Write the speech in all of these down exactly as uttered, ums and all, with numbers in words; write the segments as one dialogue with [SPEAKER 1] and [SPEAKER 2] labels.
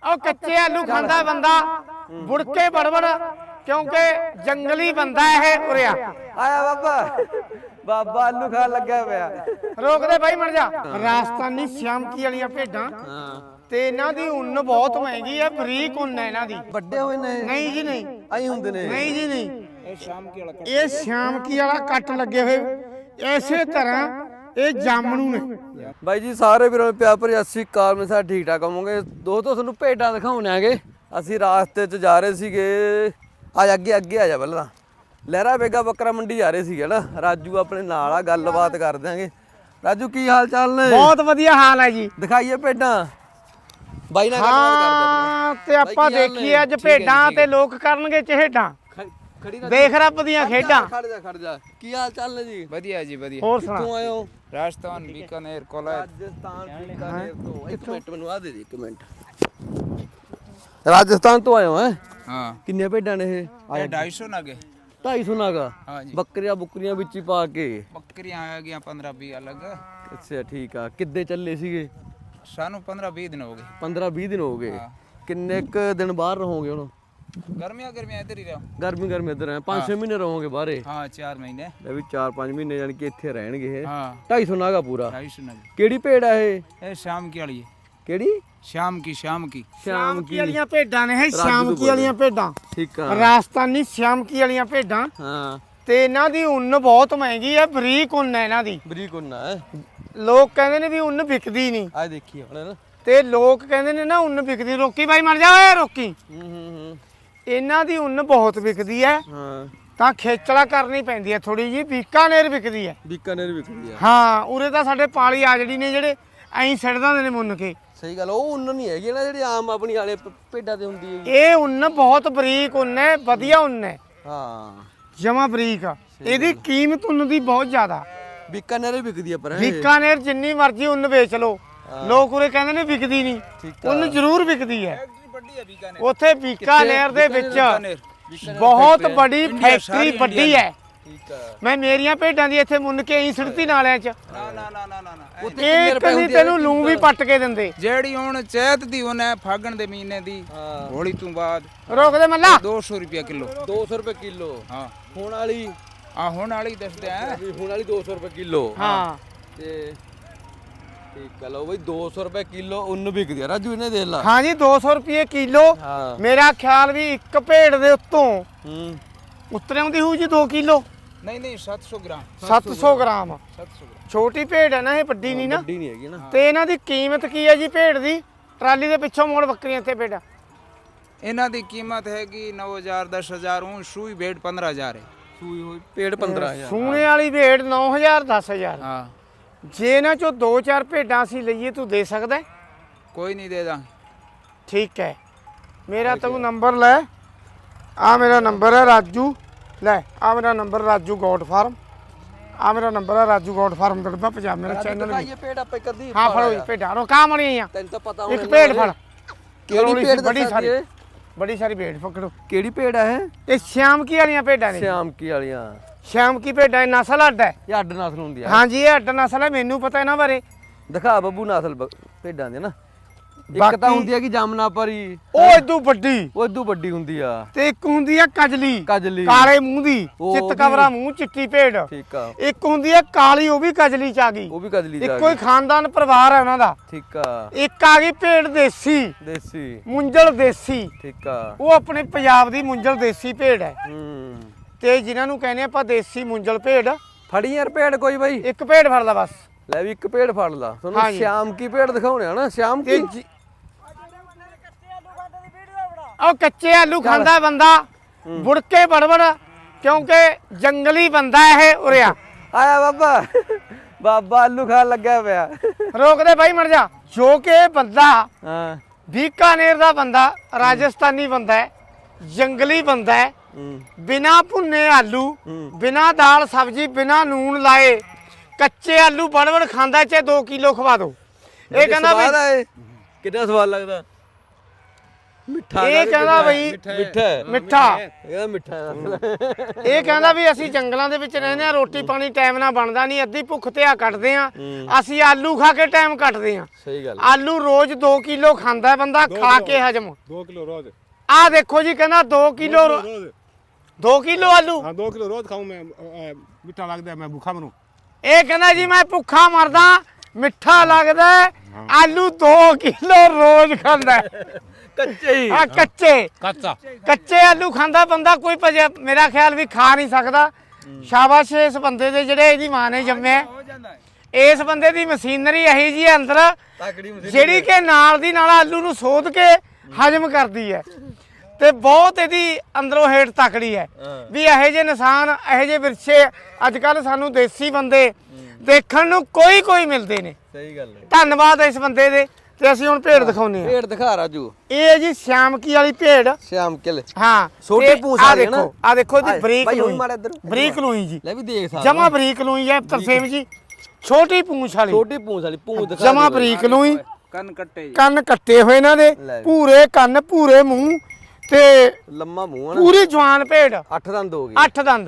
[SPEAKER 1] ਉਹ ਕੱਚੇ ਆਲੂ ਖਾਂਦਾ ਬੰਦਾ ਮੁੜ ਕੇ ਬੜਬੜ ਕਿਉਂਕਿ ਜੰਗਲੀ ਬੰਦਾ ਇਹ ਉਰਿਆ
[SPEAKER 2] ਆਇਆ ਬਾਬਾ ਬਾਬਾ ਆਲੂ ਖਾਣ ਲੱਗਾ ਪਿਆ।
[SPEAKER 1] ਰੋਕ ਦੇ ਬਾਈ ਮਰ ਜਾ। ਰਾਜਸਥਾਨੀ ਸ਼ਾਮਕੀ ਵਾਲੀਆਂ ਭੇਡਾਂ ਤੇ ਇਹਨਾਂ ਦੀ ਉੱਨ ਬਹੁਤ ਮਹਿੰਗੀ ਹੈ, ਬਰੀਕ ਉੱਨ ਹੈ ਇਹਨਾਂ ਦੀ।
[SPEAKER 2] ਵੱਡੇ ਹੋਏ ਨੇ?
[SPEAKER 1] ਨਹੀਂ ਜੀ ਨਹੀਂ,
[SPEAKER 2] ਆਈ ਹੁੰਦੇ ਨੇ।
[SPEAKER 1] ਨਹੀਂ ਜੀ ਨਹੀਂ, ਇਹ ਸ਼ਾਮਕੀ ਵਾਲਾ ਇਹ ਸ਼ਾਮਕੀ ਵਾਲਾ ਕੱਟ ਲੱਗੇ ਹੋਏ ਇਸੇ ਤਰ੍ਹਾਂ ਇਹ ਜਾਮਣੂ ਨੇ।
[SPEAKER 2] ਬਾਈ ਜੀ ਸਾਰੇ ਵੀਰਾਂ ਨੂੰ ਪਿਆਰ ਭਰੀ ਸਤਿ ਸ਼੍ਰੀ ਅਕਾਲ। ਮੈਂ ਸਾਰੇ ਠੀਕ ਠਾਕ ਹੋਵਾਂਗੇ ਦੋਸਤੋ। ਤੁਹਾਨੂੰ ਭੇਡਾਂ ਦਿਖਾਉਣੇ ਆਗੇ। ਅਸੀਂ ਰਾਸਤੇ 'ਚ ਜਾ ਰਹੇ ਸੀਗੇ। ਆ ਅੱਗੇ ਅੱਗੇ ਆ ਜਾ ਪਹਿਲਾਂ। ਲਹਿਰਾ ਬੇਗਾ ਬੱਕਰਾ ਮੰਡੀ ਜਾ ਰਹੇ ਸੀਗੇ ਨਾ। ਰਾਜੂ ਆਪਣੇ ਨਾਲ ਆ, ਗੱਲਬਾਤ ਕਰ ਦਿਆਂਗੇ। ਰਾਜੂ ਕੀ ਹਾਲ ਚਾਲ ਨੇ?
[SPEAKER 1] ਬਹੁਤ ਵਧੀਆ ਹਾਲ ਹੈ ਜੀ।
[SPEAKER 2] ਦਿਖਾਈਏ ਭੇਡਾਂ ਬਾਈ ਨਾਲ ਗੱਲਬਾਤ ਕਰਦੇ
[SPEAKER 1] ਆ। ਤੇ ਆਪਾਂ ਦੇਖੀਏ ਅੱਜ ਭੇਡਾਂ ਤੇ ਲੋਕ ਕਰਨਗੇ ਚਿਹੜਾਂ। ਦੇਖ ਰੱਬ ਦੀਆਂ ਖੇਡਾਂ।
[SPEAKER 2] ਖੜ ਜਾ ਖੜ ਜਾ। ਕੀ ਹਾਲ ਚਾਲ ਨੇ ਜੀ?
[SPEAKER 3] ਵਧੀਆ ਜੀ ਵਧੀਆ।
[SPEAKER 1] ਹੋਰ ਸੁਣਾ।
[SPEAKER 2] ਕਿੱਥੋਂ ਆਏ ਹੋ?
[SPEAKER 3] ਰਾਜਸਥਾਨ ਬੀਕਾਨੇਰ ਕੋਲਾ।
[SPEAKER 2] ਰਾਜਸਥਾਨ ਬੀਕਾਨੇਰ ਤੋਂ। ਇੱਕ ਮਿੰਟ ਮੈਨੂੰ ਆ ਦੇ ਦੇ ਇੱਕ ਮਿੰਟ। ਰਾਜਸਥਾਨ ਤੋਂ ਆਏ ਹੋ ਹੈ?
[SPEAKER 3] ਹਾਂ।
[SPEAKER 2] ਕਿੰਨੀਆਂ ਭੇਡਾਂ ਨੇ ਇਹ?
[SPEAKER 3] ਇਹ ढाई सौ ਨਗੇ।
[SPEAKER 2] ਢਾਈ ਸੌ ਨਾਗਾ?
[SPEAKER 3] ਹਾਂ ਜੀ।
[SPEAKER 2] ਬੱਕਰੀਆਂ ਬੁੱਕਰੀਆਂ ਵਿੱਚ ਹੀ ਪਾ ਕੇ?
[SPEAKER 3] ਬੱਕਰੀਆਂ ਆ ਗਈਆਂ ਪੰਦਰਾਂ ਵੀਹ ਅਲੱਗ।
[SPEAKER 2] ਅੱਛਾ ਠੀਕ ਆ। ਕਿੱਦੇ ਚੱਲੇ ਸੀਗੇ?
[SPEAKER 3] ਸਾਨੂੰ ਪੰਦਰਾਂ ਵੀਹ ਦਿਨ ਹੋ ਗਏ।
[SPEAKER 2] ਪੰਦਰਾਂ ਵੀਹ ਦਿਨ ਹੋ ਗਏ।
[SPEAKER 3] ਹਾਂ।
[SPEAKER 2] ਕਿੰਨੇ ਕ ਦਿਨ ਬਾਹਰ ਰਹੋਗੇ ਹੁਣ?
[SPEAKER 3] ਗਰਮੀਆਂ ਗਰਮੀਆਂ ਇੱਧਰ ਹੀ ਰਹੋ।
[SPEAKER 2] ਗਰਮੀ ਗਰਮੀ ਇੱਧਰ ਹੈ। ਪੰਜ ਛੇ ਮਹੀਨੇ ਰਹੋਗੇ ਬਾਹਰੇ?
[SPEAKER 3] ਹਾਂ ਚਾਰ ਮਹੀਨੇ।
[SPEAKER 2] ਇਹ ਵੀ ਚਾਰ ਪੰਜ ਮਹੀਨੇ ਯਾਨੀ ਕਿ ਇੱਥੇ ਰਹਿਣਗੇ ਇਹ।
[SPEAKER 3] ਹਾਂ
[SPEAKER 2] ਢਾਈ ਸੌ ਨਾਗਾ ਪੂਰਾ?
[SPEAKER 3] ढाई सौ नगे।
[SPEAKER 2] ਕਿਹੜੀ ਭੇਡ ਆ ਇਹ?
[SPEAKER 3] ਇਹ ਸ਼ਾਮ ਕੀ ਵਾਲੀ ਹੈ।
[SPEAKER 2] ਕਿਹੜੀ?
[SPEAKER 3] ਸ਼ਾਮ ਕੀ ਸ਼ਾਮ ਕੀ
[SPEAKER 1] ਸ਼ਾਮਕੀ ਵਾਲੀਆਂ ਭੇਡਾਂ ਨੇ ਇਹ। ਸ਼ਾਮਕੀ ਵਾਲੀਆਂ ਭੇਡਾਂ
[SPEAKER 2] ਠੀਕ ਆ।
[SPEAKER 1] ਰਾਜਸਥਾਨੀ ਸ਼ਾਮਕੀ ਵਾਲੀਆਂ ਭੇਡਾਂ
[SPEAKER 2] ਹਾਂ।
[SPEAKER 1] ਤੇ ਇਹਨਾਂ ਦੀ ਉੱਨ ਬਹੁਤ ਮਹਿੰਗੀ ਹੈ, ਬਰੀਕ ਉੱਨ ਹੈ ਇਹਨਾਂ ਦੀ।
[SPEAKER 2] ਬਰੀਕ ਹੁੰਨਾ ਹੈ।
[SPEAKER 1] ਲੋਕ ਕਹਿੰਦੇ ਨੇ ਵੀ ਉੱਨ ਵਿਕਦੀ ਨਹੀਂ।
[SPEAKER 2] ਆ ਦੇਖੀ ਹੁਣ ਨਾ।
[SPEAKER 1] ਤੇ ਲੋਕ ਕਹਿੰਦੇ ਨੇ ਨਾ ਉੱਨ ਵਿਕਦੀ। ਰੋਕੀ ਬਾਈ ਮਰ ਜਾ ਓਏ ਰੋਕੀ।
[SPEAKER 2] ਹੂੰ ਹੂੰ ਹੂੰ।
[SPEAKER 1] ਇਹਨਾਂ ਦੀ ਉੱਨ ਬਹੁਤ ਵਿਕਦੀ ਹੈ,
[SPEAKER 2] ਹਾਂ।
[SPEAKER 1] ਤਾਂ ਖੇਚਲਾ ਕਰਨੀ ਪੈਂਦੀ ਹੈ ਥੋੜੀ ਜੀ। ਬੀਕਾਨੇਰ ਵਿਕਦੀ ਹੈ।
[SPEAKER 2] ਬੀਕਾਨੇਰ ਵਿਕਦੀ ਆ।
[SPEAKER 1] ਹਾਂ ਉਰੇ ਤਾਂ ਸਾਡੇ ਪਾਲੀ ਆ ਜਿਹੜੀ ਨੇ ਜਿਹੜੇ ਐਂ ਸਿੱਟ ਦਿੰਦੇ ਨੇ ਮੁੰਨ ਕੇ।
[SPEAKER 2] ਸਹੀ ਗੱਲ। ਉਹ ਉੱਨ ਨਹੀਂ ਹੈਗੀ ਨਾ ਜਿਹੜੀ ਆਮ ਆਪਣੀ ਵਾਲੇ ਭ- ਭੇਡਾਂ ਤੇ ਹੁੰਦੀ ਹੈ।
[SPEAKER 1] ਇਹ ਉੱਨ ਬਹੁਤ ਬਰੀਕ ਉੱਨ ਹੈ, ਵਧੀਆ ਉੱਨ ਹੈ,
[SPEAKER 2] ਹਾਂ।
[SPEAKER 1] ਜਮਾ ਬਰੀਕ। ਇਹਦੀ ਕੀਮਤ ਉੱਨ ਦੀ ਬਹੁਤ ਜ਼ਿਆਦਾ।
[SPEAKER 2] ਬੀਕਾਨੇਰ ਹੀ ਵਿਕਦੀ ਆ ਪਰ ਇਹ।
[SPEAKER 1] ਬੀਕਾਨੇਰ ਜਿੰਨੀ ਮਰਜ਼ੀ ਉੱਨ ਵੇਚ ਲਓ, ਲੋਕ ਉਰੇ ਕਹਿੰਦੇ ਨੇ ਵਿਕਦੀ ਨਹੀਂ।
[SPEAKER 2] ਠੀਕ ਆ।
[SPEAKER 1] ਉੱਨ ਜ਼ਰੂਰ ਵਿਕਦੀ ਹੈ।
[SPEAKER 3] ਫੈਕਟਰੀ ਵੱਡੀ ਹੈ ਬੀਕਾਨੇਰ।
[SPEAKER 1] ਉੱਥੇ ਬੀਕਾਨੇਰ ਦੇ ਵਿੱਚ
[SPEAKER 3] ਬੀਕਾਨੇਰ।
[SPEAKER 1] ਬਹੁਤ ਬੜੀ ਫੈਕਟਰੀ ਵੱਡੀ ਹੈ।
[SPEAKER 2] ਠੀਕ ਆ।
[SPEAKER 1] ਮੈਂ ਮੇਰੀਆਂ ਭੇਡਾਂ ਦੀ ਇੱਥੇ ਮੁੰਨ ਕੇ ਹੀ ਸਿੜਤੀ ਨਾਲਿਆਂ 'ਚ।
[SPEAKER 3] ਨਾ ਨਾ ਨਾ ਨਾ ਨਾ ਨਾ।
[SPEAKER 1] ਇੱਕ ਨਹੀਂ ਤੈਨੂੰ ਲੂੰ ਵੀ ਪੱਟ ਕੇ ਦਿੰਦੇ।
[SPEAKER 3] ਜਿਹੜੀ ਹੁਣ ਚੈਤ ਦੀ ਉਹਨ ਹੈ ਫਾਗਣ ਦੇ ਮਹੀਨੇ ਦੀ।
[SPEAKER 2] ਹਾਂ।
[SPEAKER 3] ਹੋਲੀ ਤੋਂ ਬਾਅਦ
[SPEAKER 1] ਰੋਕ ਦੇ ਮੱਲਾ।
[SPEAKER 3] दो सौ रुपया किलो।
[SPEAKER 2] ਦੋ ਸੌ ਰੁਪਏ ਕਿਲੋ।
[SPEAKER 3] ਹਾਂ
[SPEAKER 2] ਹੁਣ ਵਾਲੀ
[SPEAKER 3] ਆ ਹੁਣ ਵਾਲੀ ਦੱਸਦੇ ਆ।
[SPEAKER 2] ਵੀ ਹੁਣ ਵਾਲੀ ਦੋ ਸੌ ਰੁਪਏ ਕਿਲੋ।
[SPEAKER 1] ਹਾਂ
[SPEAKER 2] ਤੇ ਠੀਕ ਆ। ਲਓ ਬਈ ਦੋ ਸੌ ਰੁਪਏ ਕਿਲੋ ਉੱਨ ਵਿਕਦੀ ਆ। ਰਾਜੂ ਇਹਨੇ ਦੇਖ ਲਾ।
[SPEAKER 1] ਹਾਂ ਜੀ ਦੋ ਸੌ ਰੁਪਏ ਕਿਲੋ।
[SPEAKER 2] ਹਾਂ।
[SPEAKER 1] ਮੇਰਾ ਖਿਆਲ ਵੀ ਇੱਕ ਭੇਡ ਦੇ ਉੱਤੋਂ
[SPEAKER 2] ਹੂੰ।
[SPEAKER 1] ਉਤਰੇ ਆਉਂਦੀ ਹੋਊ ਜੀ ਦੋ ਕਿਲੋ।
[SPEAKER 3] नहीं नहीं सात सौ ग्राम।
[SPEAKER 1] ਸੱਤ ਸੌ ਗ੍ਰਾਮ।
[SPEAKER 3] सात सौ ग्राम।
[SPEAKER 1] ਛੋਟੀ ਭੇਡ ਹੈ ਨਾ ਇਹ, ਵੱਡੀ ਨਹੀਂ ਨਾ।
[SPEAKER 2] ਵੱਡੀ ਨਹੀਂ ਹੈਗੀ ਨਾ।
[SPEAKER 1] ਤੇ ਇਹਨਾਂ ਦੀ ਕੀਮਤ ਕੀ ਹੈ ਜੀ ਭੇਡ ਦੀ? ਟਰਾਲੀ ਦੇ ਪਿੱਛੋਂ ਮੋੜ ਬੱਕਰੀਆਂ ਇੱਥੇ ਭੇਡਾਂ।
[SPEAKER 3] ਇਹਨਾਂ ਦੀ ਕੀਮਤ ਹੈਗੀ नौ हज़ार दस हज़ार। ऊँ सूई भेड़ पंद्रह हज़ार है।
[SPEAKER 2] ਸੂਈ ਹੋਈ ਪੇੜ ਪੰਦਰਾਂ ਹਜ਼ਾਰ।
[SPEAKER 1] ਸੂਣੇ ਵਾਲੀ ਭੇਡ ਨੌ ਹਜ਼ਾਰ ਦਸ ਹਜ਼ਾਰ।
[SPEAKER 3] हाँ
[SPEAKER 1] ਜੇ ਇਹਨਾਂ ਚੋਂ ਦੋ ਚਾਰ ਭੇਡਾਂ ਅਸੀਂ ਲਈਏ ਤੂੰ ਦੇ ਸਕਦਾ ਹੈ?
[SPEAKER 3] कोई नहीं देगा।
[SPEAKER 1] ਠੀਕ ਹੈ। ਮੇਰਾ ਤੂੰ ਨੰਬਰ ਲੈ। ਆ ਮੇਰਾ ਨੰਬਰ ਹੈ ਰਾਜੂ। ਲੈ ਆ ਮੇਰਾ ਨੰਬਰ ਰਾਜੂ ਗੋਟ ਫਾਰਮ। ਆ ਮੇਰਾ ਨੰਬਰ ਹੈ ਰਾਜੂ ਗੋਟ ਫਾਰਮ ਦੜਬਾ ਪੰਜਾਬ। ਮੇਰਾ ਚੈਨਲ ਵੀ।
[SPEAKER 2] ਇਹ ਪੇੜ ਆਪਾਂ ਕਰਦੀ।
[SPEAKER 1] ਹਾਂ ਫੜੋ ਜੀ ਭੇਡਾਂ। ਰੋਕਾ ਮਣੀਆਂ
[SPEAKER 2] ਤੈਨੂੰ ਤਾਂ ਪਤਾ
[SPEAKER 1] ਇੱਕ ਭੇਡ ਫੜ।
[SPEAKER 2] ਕਿਹੜੀ ਭੇਡ
[SPEAKER 1] ਬੜੀ
[SPEAKER 2] ਦੱਸਾਂ
[SPEAKER 1] ਸਾਰੀ
[SPEAKER 2] ਜੀ ਇਹ?
[SPEAKER 1] ਬੜੀ ਸਾਰੀ ਭੇਡ ਪਕੜੋ।
[SPEAKER 2] ਕਿਹੜੀ ਭੇਡ ਆ ਇਹ?
[SPEAKER 1] ਇਹ ਸ਼ਾਮਕੀ ਵਾਲੀਆਂ ਭੇਡਾਂ ਨੇ।
[SPEAKER 2] ਸ਼ਾਮਕੀ ਵਾਲੀਆਂ।
[SPEAKER 1] ਸ਼ਾਮਕੀ ਭੇਡਾਂ ਇਹ ਨਸਲ ਅੱਡ ਹੈ।
[SPEAKER 2] ਇਹ ਅੱਡ ਨਸਲ ਹੁੰਦੀ ਆ।
[SPEAKER 1] ਹਾਂਜੀ ਇਹ ਅੱਡ ਨਸਲ ਹੈ, ਮੈਨੂੰ ਪਤਾ ਇਹਨਾਂ ਬਾਰੇ।
[SPEAKER 2] ਦਿਖਾ ਬੱਬੂ ਨਸਲ ਬ- ਭੇਡਾਂ ਦੀ ਨਾ। ਇੱਕ
[SPEAKER 1] ਬਾਕੀ-
[SPEAKER 2] ਤਾਂ ਹੁੰਦੀ ਆ ਕਿ ਜਾਮਨਾ ਪਰੀ।
[SPEAKER 1] ਉਹ ਇਦੋਂ ਵੱਡੀ।
[SPEAKER 2] ਉਹ ਇਦੋਂ ਵੱਡੀ ਹੁੰਦੀ ਆ।
[SPEAKER 1] ਤੇ ਇੱਕ ਹੁੰਦੀ ਆ ਕਜਲੀ।
[SPEAKER 2] ਕਜਲੀ।
[SPEAKER 1] ਕਾਲੇ ਮੂੰਹ ਦੀ,
[SPEAKER 2] ਉਹ
[SPEAKER 1] ਚਿੱਤ
[SPEAKER 2] ਵੀ-
[SPEAKER 1] ਕਵਰਾ ਮੂੰਹ, ਚਿੱਟੀ ਭੇਡ।
[SPEAKER 2] ਠੀਕ ਆ।
[SPEAKER 1] ਇੱਕ ਹੁੰਦੀ ਆ ਕਾਲੀ, ਉਹ ਵੀ ਕਜਲੀ ਚ ਆ ਗਈ।
[SPEAKER 2] ਉਹ ਵੀ ਕਜਲੀ ਜਾ
[SPEAKER 1] ਇੱਕੋ ਹੀ ਖਾਨਦਾਨ ਪਰਿਵਾਰ ਹੈ ਉਹਨਾਂ ਦਾ।
[SPEAKER 2] ਠੀਕ ਆ।
[SPEAKER 1] ਇੱਕ ਆ ਗਈ ਭੇਡ ਦੇਸੀ,
[SPEAKER 2] ਦੇਸੀ।
[SPEAKER 1] ਮੁੰਜਲ ਦੇਸੀ।
[SPEAKER 2] ਠੀਕ ਆ।
[SPEAKER 1] ਉਹ ਆਪਣੇ ਪੰਜਾਬ ਦੀ ਮੁੰਜਲ ਦੇਸੀ ਭੇਡ ਹੈ।
[SPEAKER 2] ਹੂੰ।
[SPEAKER 1] ਤੇ ਜਿਨ੍ਹਾਂ ਨੂੰ ਕਹਿੰਦੇ ਆਪਾਂ ਦੇਸੀ ਮੁੰਜਲ ਭੇਡ।
[SPEAKER 2] ਫੜੀ ਯਾਰ ਭੇਡ ਕੋਈ ਬਾਈ।
[SPEAKER 1] ਇੱਕ ਭੇਡ ਫੜ ਲਾ ਬਸ।
[SPEAKER 2] ਲੈ ਵੀ ਇੱਕ ਭੇਡ ਫੜ ਲਾ। ਤੁਹਾਨੂੰ
[SPEAKER 1] ਹਾਂਜੀ।
[SPEAKER 2] ਸ਼ਾਮ ਕੀ ਭੇਡ ਦਿਖਾਉਣੇ ਆ ਨਾ। ਸ਼ਾਮ
[SPEAKER 1] ਤੇ
[SPEAKER 2] ਕੀ।
[SPEAKER 1] ਜੀ- ਉਹ ਕੱਚੇ ਆਲੂ ਖਾਂਦਾ ਬੰਦਾ ਮੁੜ ਕੇ ਬੜਬੜ ਕਿਉਂਕਿ ਜੰਗਲੀ ਬੰਦਾ ਇਹ ਉਰਿਆ।
[SPEAKER 2] ਆਇਆ ਬਾਬਾ ਬਾਬਾ ਆਲੂ ਖਾਣ ਲੱਗਾ ਪਿਆ।
[SPEAKER 1] ਰੋਕ ਦੇ ਬਾਈ ਮਰ ਜਾ। ਜੋ ਕਿ ਇਹ ਬੰਦਾ
[SPEAKER 2] ਹਾਂ।
[SPEAKER 1] ਬੀਕਾਨੇਰ ਦਾ ਬੰਦਾ, ਰਾਜਸਥਾਨੀ ਬੰਦਾ ਹੈ, ਜੰਗਲੀ ਬੰਦਾ ਹੈ।
[SPEAKER 2] ਹੂੰ।
[SPEAKER 1] ਬਿਨਾ ਭੁੰਨੇ ਆਲੂ,
[SPEAKER 2] ਹੂੰ।
[SPEAKER 1] ਬਿਨਾ ਦਾਲ ਸਬਜ਼ੀ, ਬਿਨਾ ਨੂਨ ਲਾਏ ਕੱਚੇ ਆਲੂ ਬੜਬੜ ਖਾਂਦਾ। ਚਾਹੇ ਦੋ ਕਿਲੋ ਖਵਾ ਦੋ। ਇਹ ਕਹਿੰਦਾ
[SPEAKER 2] ਸਵਾਦ
[SPEAKER 1] ਵੀ
[SPEAKER 2] ਆਏ। ਕਿੰਨਾ ਸਵਾਦ ਲੱਗਦਾ। ਮਿੱਠਾ
[SPEAKER 1] ਇਹ ਕਹਿੰਦਾ ਬਈ
[SPEAKER 2] ਮਿੱਠਾ ਹੈ।
[SPEAKER 1] ਮਿੱਠਾ
[SPEAKER 2] ਇਹਦਾ ਮਿੱਠਾ ਹੈ।
[SPEAKER 1] ਇਹ ਕਹਿੰਦਾ ਵੀ ਅਸੀਂ ਜੰਗਲਾਂ ਦੇ ਵਿੱਚ ਰਹਿੰਦੇ ਆ, ਰੋਟੀ ਪਾਣੀ ਟਾਈਮ ਨਾਲ ਬਣਦਾ ਨਹੀਂ, ਅੱਧੀ ਭੁੱਖ ਤੇ ਆ ਕੱਟਦੇ ਆ, ਅਸੀਂ ਆਲੂ ਖਾ ਕੇ ਟਾਈਮ ਕੱਟਦੇ ਆ।
[SPEAKER 2] ਸਹੀ ਗੱਲ
[SPEAKER 1] ਆਲੂ ਰੋਜ਼ ਦੋ ਕਿਲੋ ਖਾਂਦਾ ਬੰਦਾ, ਖਾ ਕੇ ਹਜਮ।
[SPEAKER 4] दो किलो रोज
[SPEAKER 1] ਆਹ ਦੇਖੋ ਜੀ ਕਹਿੰਦਾ ਦੋ ਕਿਲੋ
[SPEAKER 4] रोज
[SPEAKER 1] ਦੋ ਕਿਲੋ ਆਲੂ।
[SPEAKER 4] हाँ दो किलो रोज खाऊं मैं अ, मीठा लगता है मैं भूखा मरूं
[SPEAKER 1] ਇਹ ਕਹਿੰਦਾ ਜੀ ਮੈਂ ਭੁੱਖਾ ਮਰਦਾ, ਮਿੱਠਾ ਲੱਗਦਾ, ਆਲੂ ਦੋ ਕਿਲੋ ਰੋਜ਼ ਖਾਂਦਾ।
[SPEAKER 2] ਕੱਚੇ ਹੀ
[SPEAKER 1] ਆ ਕੱਚੇ
[SPEAKER 4] कच्चा
[SPEAKER 1] ਕੱਚੇ ਆਲੂ ਖਾਂਦਾ ਬੰਦਾ, ਕੋਈ ਭਜਿਆ ਮੇਰਾ ਖਿਆਲ ਵੀ ਖਾ ਨਹੀਂ ਸਕਦਾ। ਸ਼ਾਬਾਸ਼ ਇਸ ਬੰਦੇ ਦੇ ਜਿਹੜੇ ਇਹਦੀ ਮਾਂ ਨੇ ਜੰਮਿਆ। ਇਸ ਬੰਦੇ ਦੀ ਮਸ਼ੀਨਰੀ ਇਹੀ ਜੀ ਹੈ ਅੰਦਰ,
[SPEAKER 2] ਤਕੜੀ ਮਸ਼ੀਨ
[SPEAKER 1] ਜਿਹੜੀ ਕਿ ਨਾਲ ਦੀ ਨਾਲ ਆਲੂ ਨੂੰ ਸੋਧ ਕੇ ਹਜਮ ਕਰਦੀ ਹੈ, ਤੇ ਬਹੁਤ ਇਹਦੀ ਅੰਦਰੋਂ ਹੇਠ ਤਕੜੀ ਹੈ। ਵੀ ਇਹੋ ਜਿਹੇ ਨਿਸ਼ਾਨ, ਇਹੋ ਜਿਹੇ ਵਿਰਸੇ ਅੱਜ ਕੱਲ ਸਾਨੂੰ ਦੇਸੀ ਬੰਦੇ ਦੇਖਣ ਨੂੰ ਕੋਈ ਕੋਈ ਮਿਲਦੇ ਨੇ।
[SPEAKER 2] ਸਹੀ ਗੱਲ ਹੈ।
[SPEAKER 1] ਧੰਨਵਾਦ ਇਸ ਬੰਦੇ ਦੇ। ਤੇ ਅਸੀਂ ਹੁਣ ਭੇਡ ਦਿਖਾਉਨੇ ਆ।
[SPEAKER 2] ਭੇਡ ਦਿਖਾ ਰਾਜੂ।
[SPEAKER 1] ਇਹ ਹੈ ਜੀ ਸ਼ਾਮਕੀ ਵਾਲੀ ਭੇਡ।
[SPEAKER 2] ਸ਼ਾਮ ਕਿਲ
[SPEAKER 1] ਹਾਂ
[SPEAKER 2] ਛੋਟੀ
[SPEAKER 1] ਤੇ
[SPEAKER 2] ਪੂੰਛ
[SPEAKER 1] ਆਹ
[SPEAKER 2] ਵਾਲੀ ਹੈ ਨਾ?
[SPEAKER 1] ਦੇਖੋ, ਆ ਦੇਖੋ ਇਹਦੀ
[SPEAKER 2] ਆਹ,
[SPEAKER 1] ਬਰੀਕ
[SPEAKER 2] ਭਾਈ ਹੁਣ
[SPEAKER 1] ਲੂਈ,
[SPEAKER 2] ਮਾੜਾ ਇੱਧਰ।
[SPEAKER 1] ਬਰੀਕ ਲੂਈ ਜੀ,
[SPEAKER 2] ਲੈ ਵੀ ਦੇਖ ਸਕਦਾ
[SPEAKER 1] ਜਮਾ ਬਰੀਕ ਲੂਈ ਹੈ ਤਰਸੇਮ ਜੀ, ਛੋਟੀ ਪੂੰਛ ਵਾਲੀ,
[SPEAKER 2] ਛੋਟੀ ਪੂੰਛ ਵਾਲੀ ਪੂੰਛ ਦਿਖਾ
[SPEAKER 1] ਜਮਾ
[SPEAKER 2] ਦੇ
[SPEAKER 1] ਬਰੀਕ ਲੂਈ,
[SPEAKER 3] ਕੰਨ ਕੱਟੇ ਜੀ।
[SPEAKER 1] ਕੰਨ ਕੱਟੇ ਹੋਏ ਇਹਨਾਂ ਦੇ,
[SPEAKER 2] ਲੈ।
[SPEAKER 1] ਪੂਰੇ ਕੰਨ, ਪੂਰੇ ਮੂੰਹ, ਤੇ
[SPEAKER 2] ਬਾਈ। ਲੰਮਾ ਮੂੰਹ ਹੈ ਨਾ,
[SPEAKER 1] ਪੂਰੀ ਜਵਾਨ ਭੇਡ,
[SPEAKER 2] ਅੱਠ ਦੰਦ ਹੋ ਗਏ।
[SPEAKER 1] ਅੱਠ ਦੰਦ।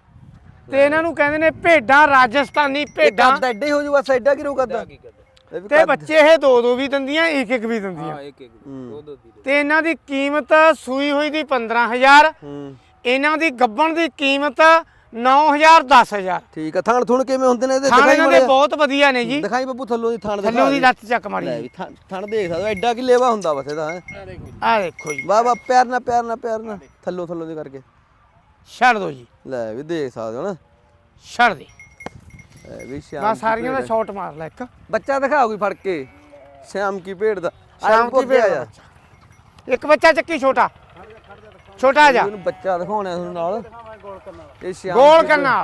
[SPEAKER 1] ਤੇ ਇਹਨਾਂ ਨੂੰ ਕਹਿੰਦੇ ਨੇ ਭੇਡਾਂ ਰਾਜਸਥਾਨੀ ਭੇਡਾਂ।
[SPEAKER 2] ਕੱਦ ਐਡੇ ਹੋ ਜੂ ਬਸ, ਐਡਾ ਕੀ ਰੂ ਕਰਦਾ
[SPEAKER 1] ਤੇ ਬੱਚੇ ਇਹ ਦੋ ਦੋ ਵੀ ਦਿੰਦੀਆਂ, ਇੱਕ ਇੱਕ ਵੀ ਦਿੰਦੀਆਂ।
[SPEAKER 3] ਹਾਂ ਇੱਕ ਇੱਕ ਦੋ ਦੋ ਦੀ
[SPEAKER 1] ਤੇ ਇਹਨਾਂ ਦੀ ਕੀਮਤ ਸੂਈ ਹੋਈ ਦੀ ਪੰਦਰਾਂ ਹਜ਼ਾਰ,
[SPEAKER 2] ਹੂੰ
[SPEAKER 1] ਇਹਨਾਂ ਦੀ ਗੱਬਣ ਦੀ ਕੀਮਤ ਨੌ ਹਜ਼ਾਰ ਦਸ ਹਜ਼ਾਰ।
[SPEAKER 2] ਠੀਕ ਆ। ਥਣ ਥੁਣ ਕਿਵੇਂ ਹੁੰਦੇ ਨੇ ਇਹਦੇ?
[SPEAKER 1] ਥਾਣੇ
[SPEAKER 2] ਦਿਖਾਈ
[SPEAKER 1] ਇਹਨਾਂ ਦੇ
[SPEAKER 2] ਮਾੜਾ
[SPEAKER 1] ਬਹੁਤ ਵਧੀਆ ਨੇ ਜੀ।
[SPEAKER 2] ਜਿਹਾ। ਦਿਖਾਈ ਬੱਬੂ ਥੱਲੋਂ ਦੀ ਥਣ ਦਿਖਾ
[SPEAKER 1] ਥੱਲੋਂ ਦੀ
[SPEAKER 2] ਦੇ।
[SPEAKER 1] ਲੱਤ ਚੱਕ ਮਾਰੀ
[SPEAKER 2] ਲੈ ਵੀ ਥਣ ਥਣ ਦੇਖ ਸਕਦਾ, ਐਡਾ ਕੀ ਲੇਵਾ ਹੁੰਦਾ ਬਸ ਇਹਦਾ ਹੈ।
[SPEAKER 1] ਆ ਦੇਖੋ ਜੀ,
[SPEAKER 2] ਵਾਹ ਵਾਹ, ਪਿਆਰ ਨਾਲ ਪਿਆਰ ਨਾਲ ਪਿਆਰ ਨਾਲ ਥੱਲੋਂ ਥੱਲੋਂ ਦੀ ਕਰਕੇ
[SPEAKER 1] ਛੱਡ ਦੋ ਜੀ,
[SPEAKER 2] ਲੈ ਵੀ ਦੇਖ ਸਕਦੇ ਹੋ ਨਾ।
[SPEAKER 1] ਛੱਡ ਦੇ।
[SPEAKER 2] ਲੈ ਵੀ ਸ਼ਾਮ
[SPEAKER 1] ਮੈਂ
[SPEAKER 2] ਕੀ
[SPEAKER 1] ਸਾਰੀਆਂ ਦਾ
[SPEAKER 2] ਭੇਡ।
[SPEAKER 1] ਸ਼ਾਟ ਮਾਰ ਲੈ ਇੱਕ।
[SPEAKER 2] ਬੱਚਾ ਦਿਖਾ ਕੋਈ ਫੜ ਕੇ, ਸ਼ਾਮ ਕੀ ਭੇਡ ਦਾ।
[SPEAKER 1] ਸ਼ਾਮ ਕੀ ਭੇਡ ਦਾ ਬੱਚਾ। ਇੱਕ ਬੱਚਾ ਚੱਕੀ ਛੋਟਾ, ਛੋਟਾ ਆ ਜਾ,
[SPEAKER 2] ਇਹਨੂੰ ਬੱਚਾ ਦਿਖਾਉਣਾ ਤੁਹਾਨੂੰ ਨਾਲ। ਇਹ ਸ਼ਾਮ
[SPEAKER 1] ਗੋਲ
[SPEAKER 2] ਕੀ
[SPEAKER 1] ਕਰਨਾ।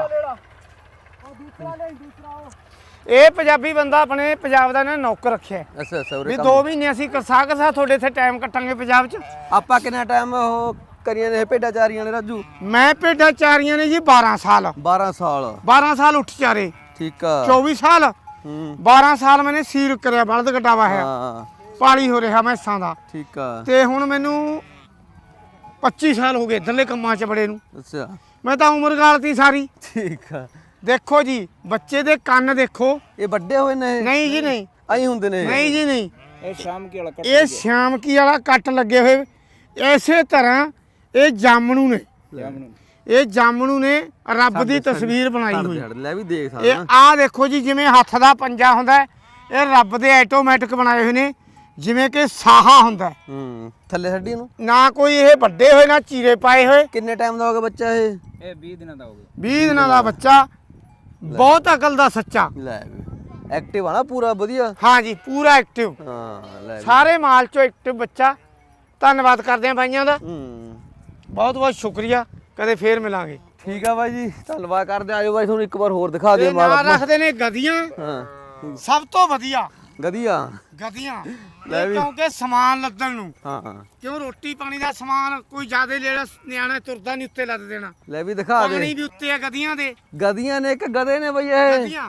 [SPEAKER 1] ਇਹ ਪੰਜਾਬੀ ਬੰਦਾ ਆਪਣੇ ਪੰਜਾਬ ਦਾ ਨੇ ਨੌਕਰ ਰੱਖਿਆ ਹੈ।
[SPEAKER 2] ਅੱਛਾ ਅੱਛਾ।
[SPEAKER 1] ਵੀ
[SPEAKER 2] ਉਰੇ
[SPEAKER 1] ਦੋ ਮਹੀਨੇ ਅਸੀਂ ਕਰਸਾ ਕਰਸਾ ਤੁਹਾਡੇ ਇੱਥੇ ਟਾਈਮ ਕੱਟਾਂਗੇ ਪੰਜਾਬ 'ਚ।
[SPEAKER 2] ਆਪਾਂ ਕਿੰਨਾ ਟਾਈਮ ਉਹ ਕਰੀਆਂ ਨੇ ਇਹ ਭੇਡਾਂ ਚਾਰੀਆਂ ਨੇ ਰਾਜੂ?
[SPEAKER 1] ਮੈਂ ਭੇਡਾਂ ਚਾਰੀਆਂ ਨੇ ਜੀ ਬਾਰਾਂ ਸਾਲ,
[SPEAKER 2] ਬਾਰਾਂ ਸਾਲ।
[SPEAKER 1] ਬਾਰਾਂ ਸਾਲ ਉੱਠ ਚਾਰੇ,
[SPEAKER 2] ਠੀਕ ਆ।
[SPEAKER 1] ਚੌਵੀ ਸਾਲ,
[SPEAKER 2] ਹੂੰ
[SPEAKER 1] ਬਾਰਾਂ ਸਾਲ ਮੈਨੇ ਸੀਲ ਕਰਿਆ, ਬਲਦ ਕਟਾਵਾ ਹੈ,
[SPEAKER 2] ਹਾਂ
[SPEAKER 1] ਪਾਲੀ ਹੋ ਰਿਹਾ ਮੈਸਾਂ ਦਾ।
[SPEAKER 2] ਠੀਕ ਆ।
[SPEAKER 1] ਤੇ ਹੁਣ ਮੈਨੂੰ ਪੱਚੀ ਸਾਲ ਹੋ ਗਏ ਇੱਧਰਲੇ ਕੰਮਾਂ 'ਚ ਬੜੇ ਨੂੰ।
[SPEAKER 2] ਅੱਛਾ
[SPEAKER 1] ਮੈਂ ਤਾਂ ਉਮਰ ਗਾਲਤੀ ਸਾਰੀ।
[SPEAKER 2] ਠੀਕ ਆ।
[SPEAKER 1] ਦੇਖੋ ਜੀ ਬੱਚੇ ਦੇ ਕੰਨ ਦੇਖੋ।
[SPEAKER 2] ਇਹ ਵੱਡੇ ਹੋਏ ਨੇ?
[SPEAKER 1] ਨਹੀਂ ਜੀ ਨਹੀਂ,
[SPEAKER 2] ਆਈ ਹੁੰਦੇ ਨੇ?
[SPEAKER 1] ਨਹੀਂ ਜੀ ਨਹੀਂ,
[SPEAKER 3] ਇਹ ਸ਼ਾਮ ਕੀ ਵਾਲਾ ਕੱਟ
[SPEAKER 1] ਇਹ ਸ਼ਾਮਕੀ ਵਾਲਾ ਕੱਟ ਲੱਗੇ ਹੋਏ। ਇਸੇ ਤਰ੍ਹਾਂ ਇਹ ਜਾਮਣੂ ਨੇ, ਇਹ ਜਾਮਣੂ ਨੇ ਰੱਬ ਦੀ ਤਸਵੀਰ ਬਣਾਈ ਹੋਈ।
[SPEAKER 2] ਲੈ ਵੀ ਦੇਖ
[SPEAKER 1] ਇਹ
[SPEAKER 2] ਸਕਦਾ।
[SPEAKER 1] ਆਹ ਦੇਖੋ ਜੀ, ਜਿਵੇਂ ਹੱਥ ਦਾ ਪੰਜਾ ਹੁੰਦਾ ਹੈ, ਇਹ ਰੱਬ ਦੇ ਆਟੋਮੈਟਿਕ ਬਣਾਏ ਹੋਏ ਨੇ, ਜਿਵੇਂ ਕਿ ਸਾਹਾ ਹੁੰਦਾ ਹੈ।
[SPEAKER 2] ਹੂੰ ਥੱਲੇ ਛੱਡੀ ਇਹਨੂੰ।
[SPEAKER 1] ਨਾ ਕੋਈ ਇਹ ਵੱਡੇ ਹੋਏ ਨਾ ਚੀਰੇ ਪਾਏ ਹੋਏ।
[SPEAKER 2] ਕਿੰਨੇ ਟਾਈਮ ਦਾ ਹੋ ਗਿਆ ਬੱਚਾ ਇਹ?
[SPEAKER 3] ਇਹ ਵੀਹ ਦਿਨਾਂ ਦਾ ਹੋ ਗਿਆ।
[SPEAKER 1] ਵੀਹ ਦਿਨਾਂ ਦਾ ਬੱਚਾ, ਬਹੁਤ ਅਕਲ ਦਾ ਸੱਚਾ।
[SPEAKER 2] ਲੈ ਵੀ ਐਕਟਿਵ ਆ ਨਾ ਪੂਰਾ ਵਧੀਆ।
[SPEAKER 1] ਹਾਂ ਜੀ ਪੂਰਾ ਐਕਟਿਵ,
[SPEAKER 2] ਹਾਂ ਲੈ ਵੀ।
[SPEAKER 1] ਸਾਰੇ ਮਾਲ ਚੋਂ ਐਕਟਿਵ ਬੱਚਾ। ਧੰਨਵਾਦ ਕਰਦੇ ਆ ਬਾਈਆਂ ਦਾ,
[SPEAKER 2] ਹੂੰ
[SPEAKER 1] ਬਹੁਤ ਬਹੁਤ ਸ਼ੁਕਰੀਆ। ਕਦੇ ਫੇਰ ਮਿਲਾਂਗੇ।
[SPEAKER 2] ਠੀਕ ਆ ਬਾਈ ਜੀ, ਧੰਨਵਾਦ ਕਰਦੇ ਆ। ਆਜੋ ਬਾਈ ਤੁਹਾਨੂੰ ਇੱਕ ਵਾਰ ਹੋਰ ਦਿਖਾ ਦੇ
[SPEAKER 1] ਤੇ
[SPEAKER 2] ਮਾਲ
[SPEAKER 1] ਨਾਲ
[SPEAKER 2] ਆਪਣਾ।
[SPEAKER 1] ਰੱਖਦੇ ਨੇ ਗਧੀਆਂ,
[SPEAKER 2] ਹਾਂ
[SPEAKER 1] ਸਭ ਤੋਂ ਵਧੀਆ
[SPEAKER 2] ਗਧੀਆ।
[SPEAKER 1] ਗਧੀਆਂ।
[SPEAKER 2] ਲੈ
[SPEAKER 1] ਇਹ
[SPEAKER 2] ਵੀ।
[SPEAKER 1] ਕਿਉਂਕਿ ਸਮਾਨ ਲੱਦਣ ਨੂੰ,
[SPEAKER 2] ਹਾਂ ਹਾਂ
[SPEAKER 1] ਕਿਉਂ ਰੋਟੀ ਪਾਣੀ ਦਾ ਸਮਾਨ ਕੋਈ ਜ਼ਿਆਦਾ ਲੈਣਾ, ਨਿਆਣਾ ਤੁਰਦਾ ਨਹੀਂ ਉੱਤੇ ਲੱਦ ਦੇਣਾ।
[SPEAKER 2] ਲੈ ਵੀ ਦਿਖਾ ਦੇ।
[SPEAKER 1] ਪਾਣੀ ਵੀ ਉੱਤੇ ਆ ਗਧੀਆਂ ਦੇ।
[SPEAKER 2] ਗਧੀਆਂ ਨੇ ਇੱਕ ਗਧੇ ਨੇ ਬਈ ਇਹ?
[SPEAKER 1] ਗਧੀਆਂ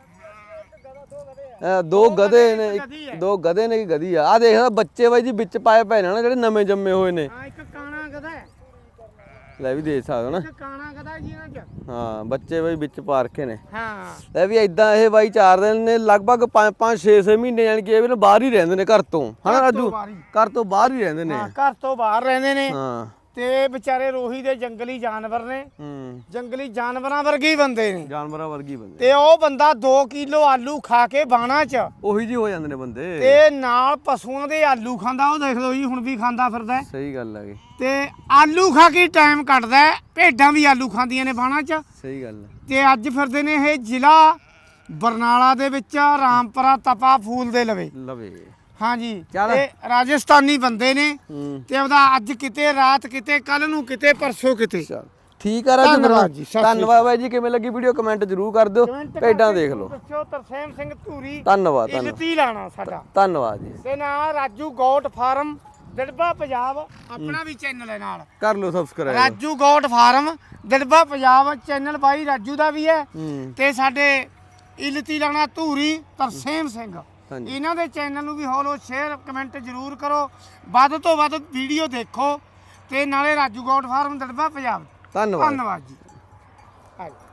[SPEAKER 2] ਇਹ ਦੋ ਗਧੇ ਨੇ,
[SPEAKER 1] ਗਧੀ ਹੈ।
[SPEAKER 2] ਇੱਕ ਦੋ ਗਧੇ ਨੇ ਕਿ ਗਧੀ ਆ। ਆ ਦੇਖ ਬੱਚੇ ਬਾਈ ਜੀ ਵਿੱਚ ਪਾਏ ਪਏ ਨੇ ਨਾ, ਜਿਹੜੇ ਨਵੇਂ ਜੰਮੇ ਹੋਏ ਨੇ।
[SPEAKER 1] ਹਾਂ, ਇੱਕ ਕਾਣਾ ਗਧਾ ਹੈ,
[SPEAKER 2] ਲੈ ਵੀ ਦੇਖ ਸਕਦੇ ਹੋ ਨਾ।
[SPEAKER 1] ਇੱਕ ਕਾਣਾ ਗਧਾ ਜੀ ਇਹਨਾਂ 'ਚ।
[SPEAKER 2] ਹਾਂ ਬੱਚੇ ਬਾਈ ਵਿੱਚ ਪਾ ਰੱਖੇ ਨੇ।
[SPEAKER 1] ਹਾਂ
[SPEAKER 2] ਲੈ ਵੀ ਇਦਾਂ ਇਹ ਬਾਈ ਚਾਰ ਦਿਨ ਨੇ, ਲਗਭਗ ਪੰਜ ਪੰਜ ਛੇ ਛੇ ਮਹੀਨੇ ਯਾਨੀ ਕਿ ਇਹ ਵੀ ਨਾ ਬਾਹਰ ਹੀ ਰਹਿੰਦੇ ਨੇ ਘਰ ਤੋਂ, ਹਨਾ
[SPEAKER 1] ਘਰ ਤੋਂ
[SPEAKER 2] ਰਾਜੂ?
[SPEAKER 1] ਬਾਹਰ ਹੀ।
[SPEAKER 2] ਘਰ ਤੋਂ ਬਾਹਰ ਹੀ ਰਹਿੰਦੇ ਨੇ।
[SPEAKER 1] ਹਾਂ, ਘਰ ਤੋਂ ਬਾਹਰ ਰਹਿੰਦੇ ਨੇ।
[SPEAKER 2] ਹਾਂ
[SPEAKER 1] ਤੇ ਵਿਚਾਰੇ ਰੋਹੀ ਦੇ ਜੰਗਲੀ ਜਾਨਵਰ ਨੇ,
[SPEAKER 2] ਹੂੰ
[SPEAKER 1] ਜੰਗਲੀ ਜਾਨਵਰਾਂ ਵਰਗੇ ਹੀ ਬੰਦੇ ਨੇ।
[SPEAKER 2] ਜਾਨਵਰਾਂ ਵਰਗੀ ਬੰਦੇ।
[SPEAKER 1] ਤੇ ਉਹ ਬੰਦਾ ਦੋ ਕਿਲੋ ਆਲੂ ਖਾ ਕੇ ਬਾਣਾ 'ਚ,
[SPEAKER 2] ਉਹੀ ਜੀ ਹੋ ਜਾਂਦੇ ਨੇ ਬੰਦੇ।
[SPEAKER 1] ਤੇ ਨਾਲ ਪਸ਼ੂਆਂ ਦੇ ਆਲੂ ਖਾਂਦਾ। ਉਹ ਦੇਖ ਲਓ ਜੀ, ਹੁਣ ਵੀ ਖਾਂਦਾ ਫਿਰਦਾ ਹੈ।
[SPEAKER 2] ਸਹੀ ਗੱਲ ਹੈਗੀ।
[SPEAKER 1] ਤੇ ਆਲੂ ਖਾ ਕੇ ਟਾਈਮ ਕੱਢਦਾ ਹੈ। ਭੇਡਾਂ ਵੀ ਆਲੂ ਖਾਂਦੀਆਂ ਨੇ ਬਾਣਾ 'ਚ।
[SPEAKER 2] ਸਹੀ ਗੱਲ ਹੈ।
[SPEAKER 1] ਤੇ ਅੱਜ ਫਿਰਦੇ ਨੇ ਇਹ ਜ਼ਿਲ੍ਹਾ ਬਰਨਾਲਾ ਦੇ ਵਿੱਚ, ਰਾਮਪੁਰਾ ਤਪਾ ਫੂਲ ਦੇ ਲਵੇ।
[SPEAKER 2] ਲਵੇ
[SPEAKER 1] ਹਾਂਜੀ,
[SPEAKER 2] ਚੱਲ।
[SPEAKER 1] ਇਹ ਰਾਜਸਥਾਨੀ ਬੰਦੇ ਨੇ।
[SPEAKER 2] ਹੂੰ
[SPEAKER 1] ਤੇ ਉਹਦਾ ਅੱਜ ਕਿਤੇ, ਰਾਤ ਕਿਤੇ, ਕੱਲ ਨੂੰ ਕਿਤੇ, ਪਰਸੋਂ ਕਿਤੇ।
[SPEAKER 2] ਚਲ ਠੀਕ ਆ ਰਾਜੂ।
[SPEAKER 1] ਧੰਨਵਾਦ ਜੀ, ਸਤਿ ਸ਼੍ਰੀ ਅਕਾਲ।
[SPEAKER 2] ਧੰਨਵਾਦ ਬਾਈ ਜੀ। ਕਿਵੇਂ ਲੱਗੀ ਵੀਡੀਓ ਕਮੈਂਟ ਜ਼ਰੂਰ ਕਰ ਦਿਓ।
[SPEAKER 1] ਕਮੈਂਟ
[SPEAKER 2] ਭੇਡਾਂ
[SPEAKER 1] ਕਰਕੇ
[SPEAKER 2] ਦੇਖ ਲਓ।
[SPEAKER 1] ਦੱਸਿਓ। ਤਰਸੇਮ ਸਿੰਘ ਧੂਰੀ,
[SPEAKER 2] ਧੰਨਵਾਦ ਧੰਨਵਾਦ
[SPEAKER 1] ਇਲਤੀ ਲਾਣਾ ਸਾਡਾ।
[SPEAKER 2] ਧੰਨਵਾਦ ਜੀ।
[SPEAKER 1] ਤੇ ਨਾਲ ਰਾਜੂ ਗੋਟ ਫਾਰਮ ਦਿੜਬਾ ਪੰਜਾਬ, ਆਪਣਾ ਵੀ ਚੈਨਲ ਹੈ ਨਾਲ।
[SPEAKER 2] ਕਰ ਲਓ subscribe.
[SPEAKER 1] Raju goat farm Dirba Punjab channel ਬਾਈ ਰਾਜੂ ਦਾ ਵੀ ਹੈ।
[SPEAKER 2] ਹੂੰ
[SPEAKER 1] ਤੇ ਸਾਡੇ ਇਲਤੀ ਲਾਣਾ ਧੂਰੀ ਤਰਸੇਮ ਸਿੰਘ,
[SPEAKER 2] ਹਾਂਜੀ।
[SPEAKER 1] ਇਹਨਾਂ ਦੇ ਚੈਨਲ ਨੂੰ ਵੀ ਫੋਲੋ ਸ਼ੇਅਰ ਕਮੈਂਟ ਜ਼ਰੂਰ ਕਰੋ, ਵੱਧ ਤੋਂ ਵੱਧ ਵੀਡੀਓ ਦੇਖੋ ਤੇ ਨਾਲੇ ਰਾਜੂ ਗੋਟ ਫਾਰਮ ਦੜਬਾ ਪੰਜਾਬ।
[SPEAKER 2] ਧੰਨਵਾਦ।
[SPEAKER 1] ਧੰਨਵਾਦ ਜੀ। ਹਾਂਜੀ।